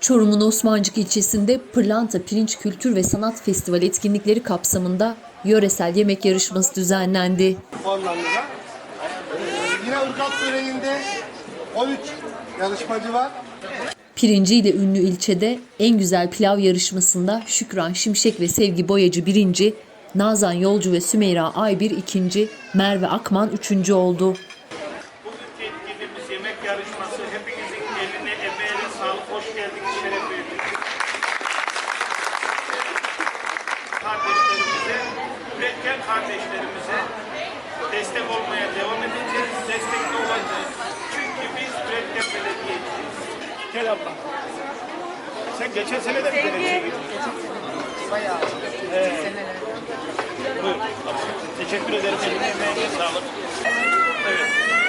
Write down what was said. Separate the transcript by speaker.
Speaker 1: Çorum'un Osmancık ilçesinde Pırlanta Pirinç Kültür ve Sanat Festivali etkinlikleri kapsamında yöresel yemek yarışması düzenlendi.
Speaker 2: Puanlarınıza. Yine ırgat böreğinde 13 yarışmacı var.
Speaker 1: Pirinciyle ünlü ilçede en güzel pilav yarışmasında Şükran Şimşek ve Sevgi Boyacı birinci, Nazan Yolcu ve Sümeyra Aybir ikinci, Merve Akman üçüncü oldu.
Speaker 3: Bugünkü etkinliğimiz yemek yarışması. Hepinizin eline, emeğine sağlık. Hoş geldiniz, şeref verdiniz. Kardeşlerimize, üretken kardeşlerimize destek olmaya devam edeceğiz. Destekli olacağız. Çünkü biz üretken belediyeciyiz. Gel abla. Sen geçen sene de bir belediyeye gittin.
Speaker 4: Bayağı. Seneler.
Speaker 3: Buyur. Teşekkür ederim. Eline emeğine sağlık. Evet.